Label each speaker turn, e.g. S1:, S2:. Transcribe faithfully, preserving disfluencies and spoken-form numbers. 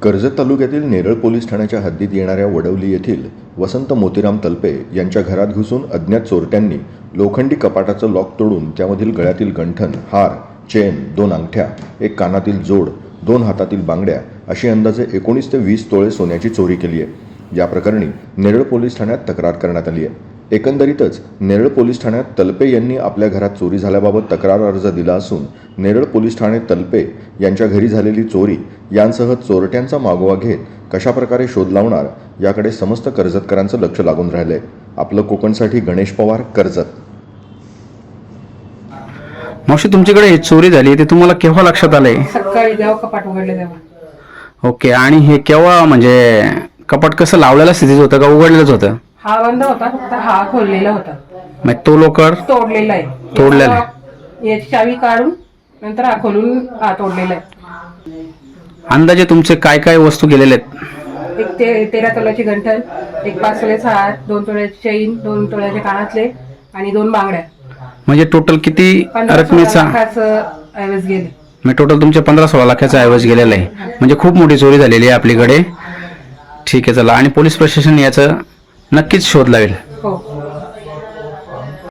S1: कर्जत तालुक्यातील नेरळ पोलीस ठाण्याच्या हद्दीत येणाऱ्या वडवली येथील वसंत मोतीराम तलपे यांच्या घरात घुसून अज्ञात चोरट्यांनी लोखंडी कपाटाचं लॉक तोडून त्यामधील गळ्यातील गंठण, हार, चेन, दोन अंगठ्या, एक कानातील जोड, दोन हातातील बांगड्या अशी अंदाजे एकोणीस ते वीस तोळे सोन्याची चोरी केली आहे। या प्रकरणी नेरळ पोलीस ठाण्यात तक्रार करण्यात आली आहे। एकंदरीतच नेरळ पोलीस ठाण्यात तलपे यांनी आपल्या घरात चोरी झाल्याबाबत तक्रार अर्ज दिला असून नेरळ पोलीस ठाणे तलपे यांच्या घरी झालेली चोरी यांसह चोरट्यांचा मागोवा घेत कशाप्रकारे शोध लावणार याकडे समस्त कर्जतकरांचं लक्ष लागून राहिलंय। आपलं कोकणसाठी गणेश पवार, कर्जत।
S2: मावशी, तुमच्याकडे ही चोरी झाली ते तुम्हाला केव्हा लक्षात आलंय?
S3: सकाळी जेव्हा कपाट उघडले तेव्हा।
S2: ओके, आणि हे केव्हा, म्हणजे कपाट कसं लावलेलं स्थितीत होतं का उघडलेलंच होतं?
S3: हा बंद होता, फक्त हा खोललेला होता।
S2: मग तो लोकर
S3: तोडलेला आहे,
S2: तोडलेला आहे।
S3: याची चावी काढून नंतर हा खोलून हा तोडलेला आहे।
S2: अंदाजे तुमचे काय काय वस्तू गेलेले आहेत?
S3: एक ते तेरा तोळ्याची गंठण, एक पाच तोळ्याचा हार, दोन तोळ्याची चैन, दोन तोळ्याचे कानातले आणि दोन बांगड्या।
S2: म्हणजे टोटल किती
S3: पंधरा
S2: रकमेचा?
S3: ऐवज गेले।
S2: म्हणजे टोटल तुमचे पंधरा सोळा लाखाचा ऐवज गेलेला आहे। म्हणजे खूप मोठी चोरी झालेली आहे आपल्याकडे। ठीक आहे, चला, आणि पोलीस प्रशासन याचं नक्कीच शोध लावेल।
S3: हो।